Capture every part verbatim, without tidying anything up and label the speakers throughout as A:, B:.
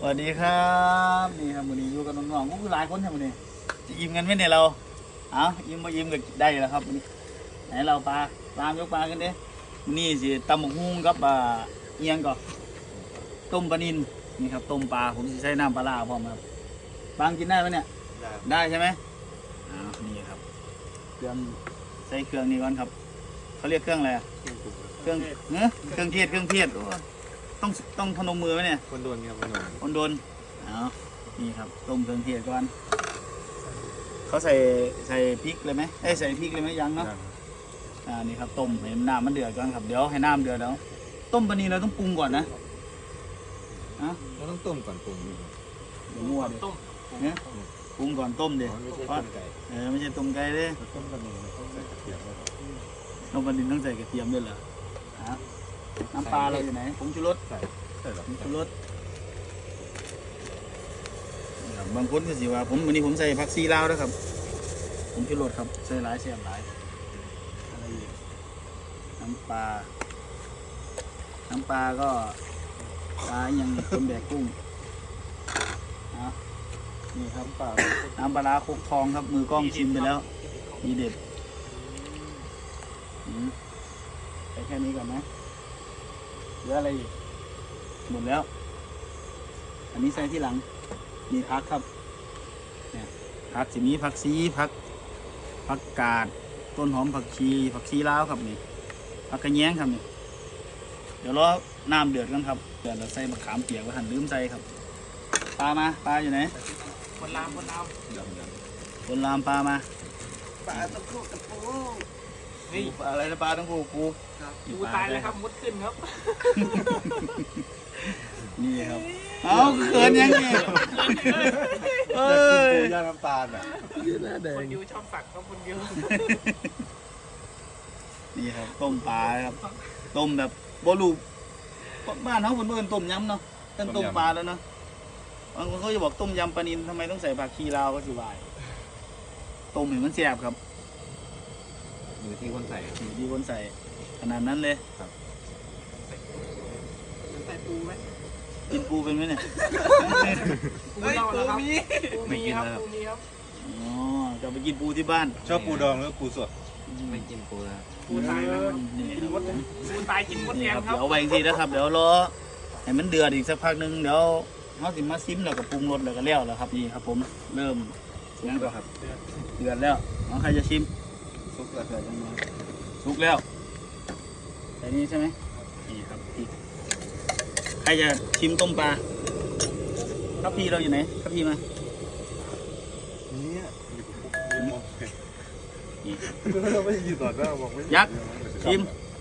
A: สวัสดีครับนี่ครับวันนี้อยู่กับน้องๆก็คือหลายคนครับวันนี้จะอิ่มกันไหมเนี่ยเราเอาอิ่มมาอิ่มก็ได้แล้วครับวันนี้ไหนเราปลาปลายกปลากันเด้นี่สิตำหมกฮุ้งกับอ่าเอียงก่อนต้มปลานิลนี่ครับต้มปลาผมจะใช้น้ำปลาร้าพร้อมครับปลากินได้ไหมเนี่ยได้ใช่ไหมอ้าวนี่ครับเครื่องใส่เครื่องนี้ก่อนครับเขาเรียกเครื่องอะไรเครื่องเนื้อเครื่องเทศเครื่องเทศต้องต้องพนมมือไหมเนี่ย
B: คนโดนครับคนโดน
A: คนโดนเอานี่ครับต้มเครื่องเทศก่อนเขาใส่ใส่พริกเลยไหมเอ้ใส่พริกเลยไหมยังเนาะอ่านี่ครับต้มให้น้ำมันเดือดก่อนครับเดี๋ยวให้น้ำเดือดแล้วต้มปลานีเราต้องปรุงก่อนนะอ่ะ
B: เราต้องต้มก่อนปรุง
A: เดี๋ยวมั่วดิเนี่ยปรุงก่อนต้มดิ
B: ไม่ใช่ต้มไก่
A: เออไม่ใช่ต้มไก่เลย
B: ต้มปลานีต้องใส่กระเทียมด้วย
A: ต้มปลานีต้องใส่กระเทียมด้วยเหรอฮะน้ำปลาเราอยู่ไหนผงชูรส
B: ใส่ใส่หรอ
A: ผงชูรสบางคนก็สิว่าผมวันนี้ผมใส่ผักซีลาวด้วยครับผมชูรสครับใส่หลายเสียบหลายอะไรอีกน้ำปลาน้ำปลาก็ปลายังต้มแดกกุ้งนะนี่ครับปลาน้ำปลาคุกทองครับมือกล้องชิมไปแล้วมีเด็ดใส่แค่นี้ก่อนไหมเหลืออะไรอีกหมดแล้วอันนี้ใส่ที่หลังมีผักครับเนี่ยผักจะมีผักซีผักผักกาดต้นหอมผักชีผักชีลาวครับนี่ผักกระแยงครับนี่เดี๋ยวรอน้ำเดือดกันครับเดือดเราใส่มะขามเปียกว่าหั่นลืมใส่ครับปลามาปลาอยู่ไหน
C: คนลามคนลาม
A: คนลามปลามา
C: ปลาตะปูตะปู
A: นี่อะไรนะปลาต้องปูปู
C: ปูตายเลยครับมุดขึ้นครับ
A: นี่ครับเอาเขินยังไงเอ้ย
B: ย่างน้ำตาลอ่ะ
C: คนยูชอบสักครับคนยู
A: นี่ครับต้มปลาครับต้มแบบโบลูบ้านเขาคนเมื่อต้มยำเนาะต้นต้มปลาแล้วเนาะบางคนเขาจะบอกต้มยำปลานิลทำไมต้องใส่ผักชีลาวก็สิวายต้มเห็นมันแซ่บครับ
B: อยู่ที่คนใส่
A: อยู่ที่คนใส่ขนาดนั้นเลย
B: ครับ
C: ใส่ปูไหม
A: กินปูเป็นไหมเนี่ย
C: ปูเราแล้วครับปูมีครับปูมีครับ
A: อ๋อจะไปกินปูที่บ้าน
B: ชอบปูดองหรือปูสด
C: ไม่กินปูนะปูตายแล้วกินมดปูตายกินมดแดงครับ
A: เดี๋ยวไว้ทีนะครับเดี๋ยวรอให้มันเดือดอีกสักพักนึงเดี๋ยวเขาสิมาซิมแล้วก็ปรุงรสแล้วก็แล้วแล้วครับนี่ครับผมเริ่มยังก็ครับเดือดแล้วน้องใครจะชิม
B: ซุกแล้วเดือดยังไง
A: สุกแล้วแต่นี้ใช่ไหมนี่ครับพี่ใครจะชิมต้มปลาครับพี่เราอยู่ไหนครับพี่มา
B: เนี่ยเราไม่ยืนต่อหน้าบอกไม่
A: ยักษ์ชิม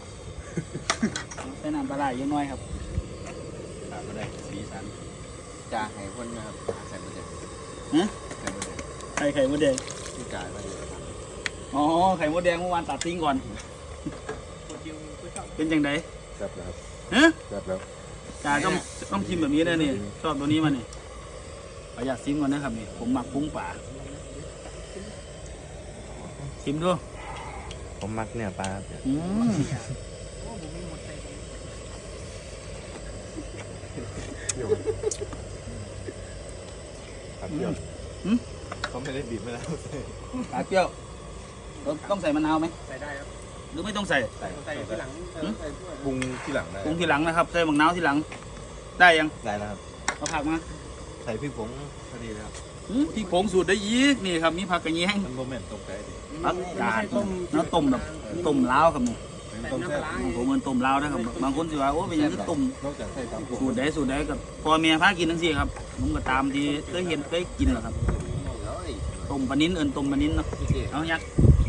A: ใส่น้ำปลาไหลเยอะน้อยครับปลาก็ได้สีสัน
B: จ่าไข่พ่นนะครับใส่หมดเลย
A: ฮะไข่ไข่มดแดง
B: ที่จ่ายมาอยู่
A: อ๋อไข่มดแดงเมื่อวานตัดทิ้งก่อนเป็นยังไง
B: แซ่บแล้วครับ
A: ฮะ
B: แซ่บแล้ว
A: จ่าต้องต้องชิมแบบนี้เลยนี่ชอบตัวนี้มันนี่ขออยากชิมก่อนนะครับนี่ผมหมักปุ้งป่าชิมดู
B: ผมมักเนี่ยปลา
A: อืม
B: ปลาเปรี้ยวเขาไม่ได้บีบไม่แล้ว
A: ปลาเปรี้ยวต้องใส่มะนาวไหม
C: ใส่ได้ครับ
A: หรือไม่ต้องใส่
C: ใส่ใส่ที่หลัง
B: ปรุงที่หลังได้
A: ปรุงที่หลังนะครับใส่มะนาวที่หลังได้ยัง
B: ได้แล้วครับ
A: เอาผักมา
B: ใส่พริกผงพอดีแล้ว
A: พริกผงสูตรได้ยีกนี่ครับมีผักกระเทียม
B: มันโมเมนต์ต้มไก่ดิ
A: ผักกาดแล้วต้มแบบต้มล้าวครับนี่ผมเหมือนต้มล้าวนะครับบางคนสิว่าโอ้เป็นยังไงต้มสูตรใดสูตรใดกับพอเมียพากินทั้งสี่ครับผมก็ตามที่เคยเห็นเคยกินแหละครับต้มปลานิ้นเอิญต้มปลานิ้นเนาะเอายักษ์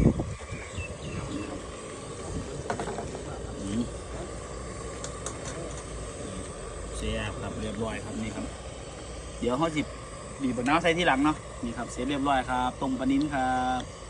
A: เสียครับเรียบร้อยครับนี่ครับเดี๋ยวเขาจิบบีบมะนาวใส่ที่หลังเนาะนี่ครับเสร็จเรียบร้อยครับต้มปลานิ้นครับ